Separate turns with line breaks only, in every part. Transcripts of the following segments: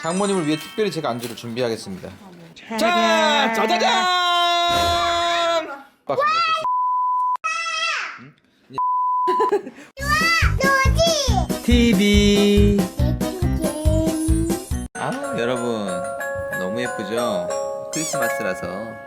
장모님을 위해 특별히 제가 안주를 준비하겠습니다. 자, 짜자잔! TV. 아, 여러분 너무 예쁘죠? 크리스마스라서.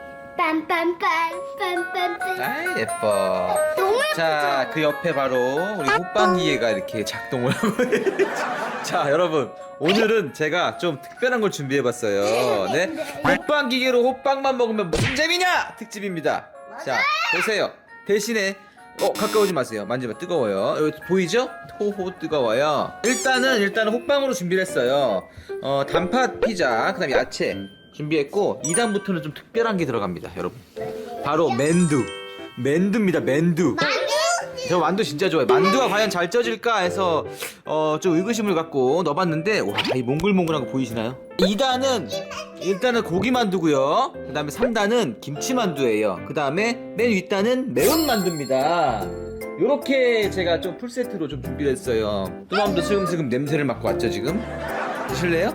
빰빰빰빰빰빰.
아, 예뻐.
너무 예쁘죠?
자, 그 옆에 바로 우리 호빵기계가 이렇게 작동을 하고 자, 여러분 오늘은 제가 좀 특별한 걸 준비해봤어요. 네, 호빵기계로 호빵만 먹으면 무슨 재미냐 특집입니다. 자, 보세요. 대신에 가까우지 마세요. 만지면 뜨거워요. 여기 보이죠? 호호 뜨거워요. 일단은 호빵으로 준비를 했어요. 단팥 피자, 그 다음에 야채 준비했고 2단부터는 좀 특별한 게 들어갑니다, 여러분. 바로 만두입니다. 만두. 저 만두 진짜 좋아해요. 만두가 과연 잘 쪄질까 해서 좀 의구심을 갖고 넣어봤는데, 와, 이 몽글몽글한 거 보이시나요? 2단은 일단은 고기 만두고요. 그 다음에 3단은 김치 만두예요. 그 다음에 맨 윗단은 매운 만두입니다. 요렇게 제가 좀 풀세트로 좀 준비를 했어요. 뚜맘도 슬금슬금 냄새를 맡고 왔죠 지금? 드실래요?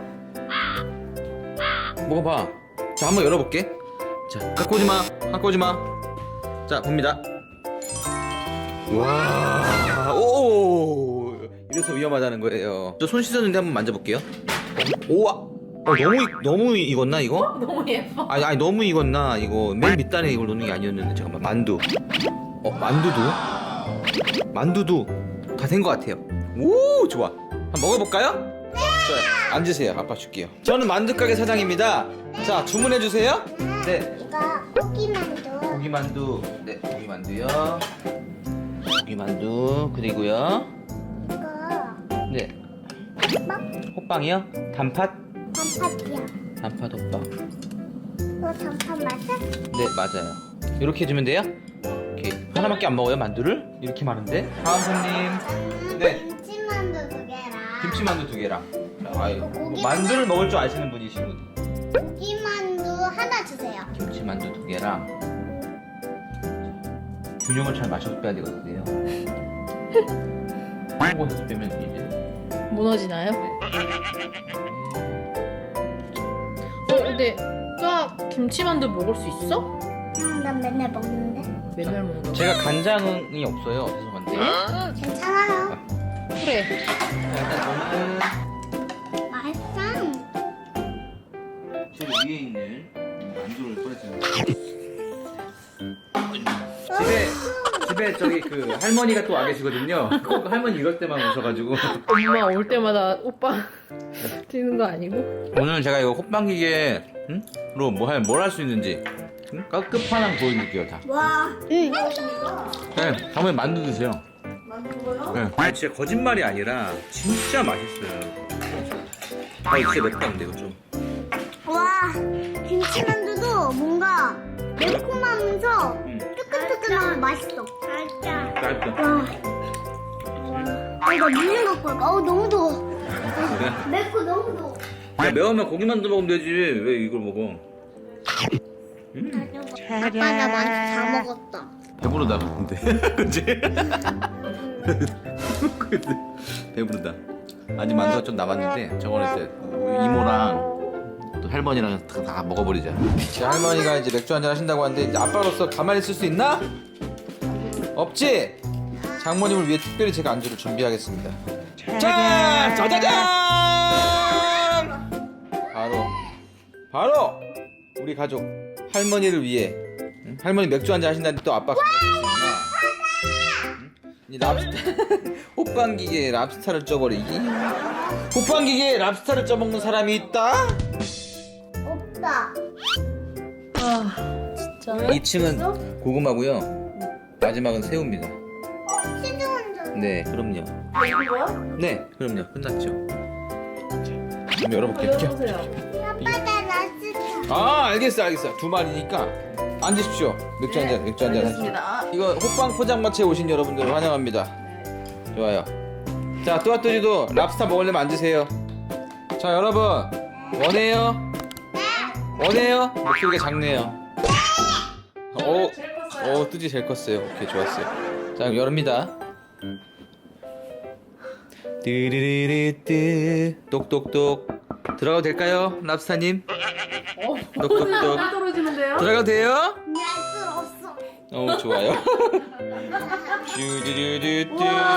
먹어봐. 자, 한번 열어볼게. 자, 갖고 오지마. 자, 봅니다. 와, 오, 이래서 위험하다는 거예요. 저 손 씻었는데 한번 만져볼게요. 오와, 너무 익었나 이거?
너무 예뻐.
아니 너무 익었나 이거. 맨 밑단에 이걸 넣는 게 아니었는데. 잠깐만, 만두. 만두도 다 된 것 같아요. 오, 좋아. 한번 먹어볼까요? 네. 좋아요. 앉으세요. 아빠 줄게요. 저는 만두가게 사장입니다. 자, 주문해 주세요. 네.
이거 고기만두.
고기만두. 네, 고기만두요. 고기만두 그리고요.
이거
네. 호빵이요? 단팥
단팥이야.
호빵.
이거 단팥 맞아?
네, 맞아요. 이렇게 해주면 돼요? 오케이. 하나밖에 안 먹어요, 만두를? 이렇게 많은데? 다음 손님. 네.
김치만두 2개랑
김치만두 2개랑. 아유,
고기
만두를 먹을 줄 아시는 분이시군.
고기만두 하나 주세요.
김치만두 2개랑. 균형을 잘 맞춰서 빼야 되거든요. 한곳에서 빼면 이제.
무너지나요? 근데 뚜아 김치만두 먹을 수 있어?
난 맨날 먹는데.
맨날 먹는
제가 간장이 없어요. 죄송한데.
괜찮아요.
그래.
자, 일단 저는
맛있어.
제 위에 있는 만두를 꺼내주는 집에 저기 그 할머니가 또 와 계시거든요. 꼭 할머니 이럴 때만 오셔가지고.
엄마 올 때마다 오빠 뛰는 거 아니고?
오늘 제가 이거 호빵기계로 뭘 할 수 있는지 끝판왕 보여드릴게요. 다.
와.
네, 다음에 만두 드세요. 만두 먹어요? 네. 진짜 거짓말이 아니라 진짜 맛있어요. 진짜 맵다 근데 이거 좀.
와. 김치만두도 뭔가 매콤하면서 뜨끈뜨끈하고 맛있어. 맛있다.
맛있다.
와. 이거 물좀 갖고 올까? 너무 더워. 맵고 너무 더워.
야, 매우면 고기만두 먹으면 되지. 왜 이걸 먹어?
아빠 나 만두 다 먹었다.
배부르다 근데. 그치? 배부르다. 아직 만두가 좀 남았는데 저거는 이제 이모랑 또 할머니랑 다 먹어버리자. 할머니가 이제 맥주 한잔 하신다고 하는데 이제 아빠로서 가만히 있을 수 있나? 없지? 장모님을 위해 특별히 제가 안주를 준비하겠습니다. 짠! 짜자잔! 바로 우리 가족 할머니를 위해. 할머니 맥주 한잔 하신다는데 또 아빠 가만히 있으나? 이 랍스타 호빵기계에 랍스타를 쪄버리기. 호빵기계에 랍스타를 쪄먹는 사람이 있다?
없다.
아 진짜.
2층은 고구마고요. 마지막은 새우입니다.
치즈 완전.
네, 그럼요.
이거야?
네, 그럼요. 끝났죠. 자, 한번 열어볼게요.
열어보세요.
아빠 나 라스타.
아, 알겠어. 두 마리니까 앉으십시오. 맥주 한잔 하십시오.
알겠습니다.
이거 호빵 포장마차에 오신 여러분들 환영합니다. 좋아요. 자, 뚜아뚜지도 랍스타 먹으려면 앉으세요. 자, 여러분 원해요? 목소리가 작네요. 뚜지 제일 컸어요. 오케이, 좋았어요. 자, 그럼 열립니다. 띠리리리띠 똑똑똑 들어가도 될까요, 랍스타님? 똑똑똑.
떨어지는데요?
들어가도 돼요?
할 수 없어.
좋아요. 쭈두두두뚜.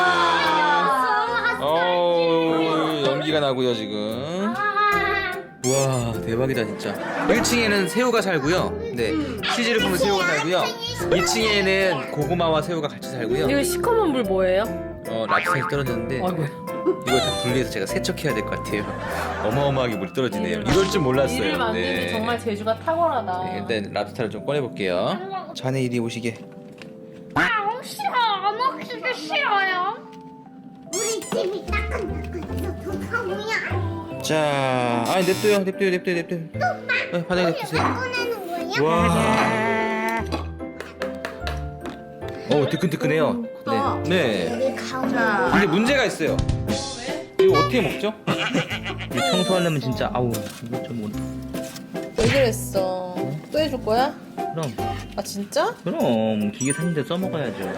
연기가 나고요 지금. 와 대박이다 진짜. 1층에는 새우가 살고요. 네, 치즈를 푸는 새우가 살고요. 2층에는 고구마와 새우가 같이 살고요.
이거 시커먼 물 뭐예요?
랍스타이 떨어졌는데
아이고.
이걸 다 분리해서 제가 세척해야 될 것 같아요. 어마어마하게 물이 떨어지네요. 이럴 줄 몰랐어요.
일을 만들기 정말 재주가 탁월하다.
네, 일단 랍스타를 좀 꺼내볼게요. 자네 이리 오시게.
싫어. 안 먹기도 싫어요. 우리 집이 따끈따끈해서 좋다 뭐야.
자, 냅둬요. 바닥에 냅두세요.
꺼내는 거야?
와. 뜨끈뜨끈해요.
크다.
네.
여기 가운데.
근데 문제가 있어요. 이거 어떻게 먹죠? 이거 청소하려면 진짜 이거 좀
왜 그랬어? 또 해줄 거야?
그럼
아 진짜?
기계 사는데 써먹어야죠.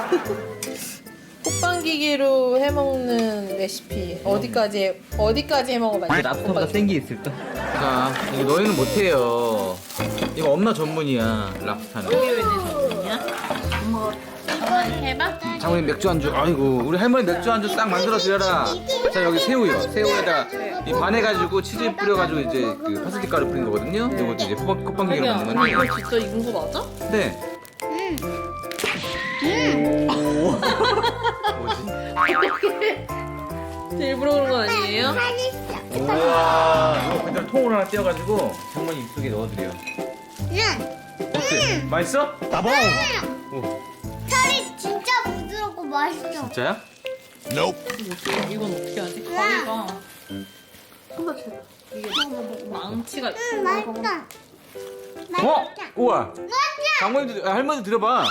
호빵기계로 해먹는 레시피 어디까지 해먹어봤지?
랍스터보다 센 게 있을까? 자, 이거 너희는 못해요. 이거 엄마 전문이야, 랍스타는.
이게 왜 내 전문이야? 한번 해봐.
장모님 맥주 안주. 아이고, 우리 할머니 맥주 안주 싹 만들어 드려라. 자, 여기 새우요. 새우에다 이 반해가지고 치즈 뿌려가지고 이제 그 파스틱 가루 뿌린 거거든요. 이것도 이제 호빵기계로
자기야,
먹는 건데.
이거 진짜 익은 거 맞아?
네.
어떻게? 일부러 그런 건 아니에요?
맛있어.
우와, 이거 그대로 통으로 하나 떼어가지고 장모님 입속에 넣어드려. 어때? 맛있어? 따봉!
살이 진짜 부드럽고 맛있어.
진짜야?
이건 어떻게 하지? 가위가 손다 쳐. 이게 망치가 있어.
맛있다.
어? 우와! 장모님도, 할머니도 드려봐.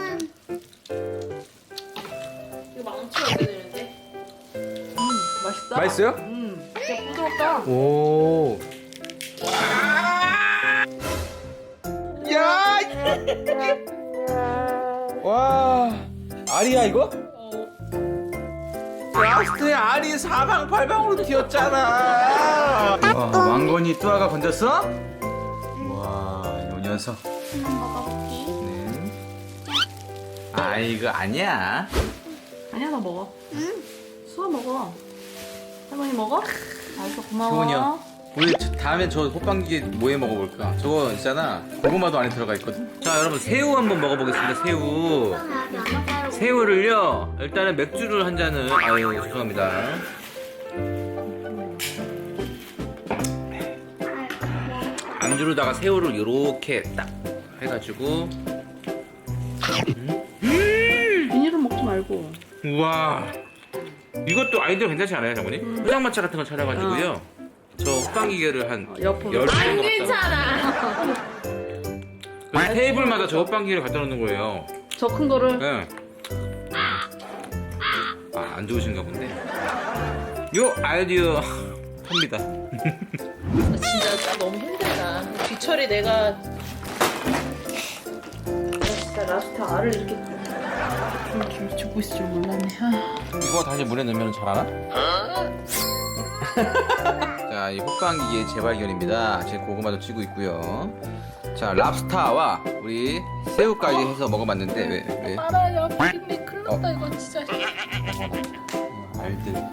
이거 망치가 어떻게 되는데? 맛있다.
맛있어요?
진짜 부드럽다.
오. 야! 와. 알이야 이거? 라스트에 알이 사방팔방으로 튀었잖아. 와, 왕건이 뚜아가 건졌어? 와, 이 녀석. 네. 이거 아니야.
아니야, 나 먹어. 수아 먹어. 할머니 먹어? 알았어, 고마워.
효은이요. 우리 다음엔 저 호빵기계 뭐해 먹어볼까? 저거 있잖아. 고구마도 안에 들어가 있거든. 자, 여러분 새우 한번 먹어보겠습니다. 새우를요. 일단은 맥주를 한 잔을. 죄송합니다. 안주로다가 새우를 이렇게 딱 해가지고.
비닐은 먹지 말고.
우와. 이것도 아이디어 괜찮지 않아요, 장모님? 포장마차 같은 거 차려가지고요. 저 호빵기계를 한
옆으로.
10개
안
정도
괜찮아.
갖다 테이블마다 저 호빵기계를 갖다 놓는 거예요.
저 큰 거를.
네. 안 좋으신가 본데. 요 아이디어 탑니다.
진짜 너무 힘들다. 뒤처리 내가 진짜 라스타 알을 이렇게 좀 죽고 있을 줄 몰랐네.
이거 다시 물에 넣으면 잘하나? 자, 이 호빵기계 재발견입니다. 지금 고구마도 찌고 있고요. 자, 랍스타와 우리 새우까지 해서 먹어봤는데 왜?
알아요. 비린내 큰일 났다 이거 진짜.
알들.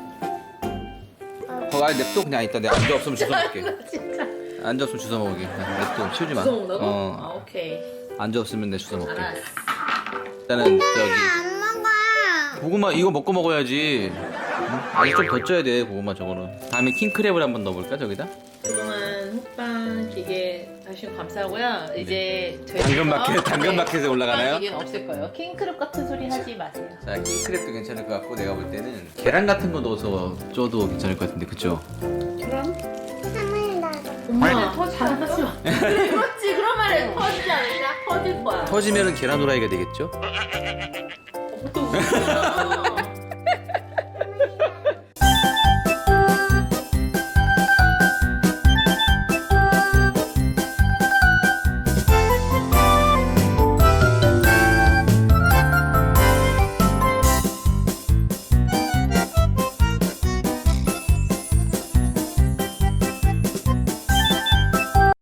냅둬 그냥 이따 내가 안주 없으면 주워 먹을게.
진짜.
안주 없으면 주워 먹을게. 냅둬 치우지 마.
주워 먹는다고?
어.
오케이.
안주 없으면 내 주워 먹을게.
알았어.
일단은 저기
안 먹어.
고구마 이거 먹고 먹어야지. 아직 좀 더 쪄야 돼 고구마 저거는. 다음에 킹크랩을 한번 넣어볼까 저기다?
그동안 호빵 기계 다시 감사하고요. 이제 저희
당근마켓에 올라가나요?
호빵 기계는 없을 거예요. 킹크랩 같은 소리 하지 마세요.
자, 킹크랩도 괜찮을 것 같고 내가 볼 때는 계란 같은 거 넣어서 쪄도 괜찮을 것 같은데 그쵸?
그럼?
한번 나도.
엄마 터지지 마. 그렇지 그런 말에 터지지 않을까? 터질 거야.
터지면은 계란 후라이가 되겠죠?
또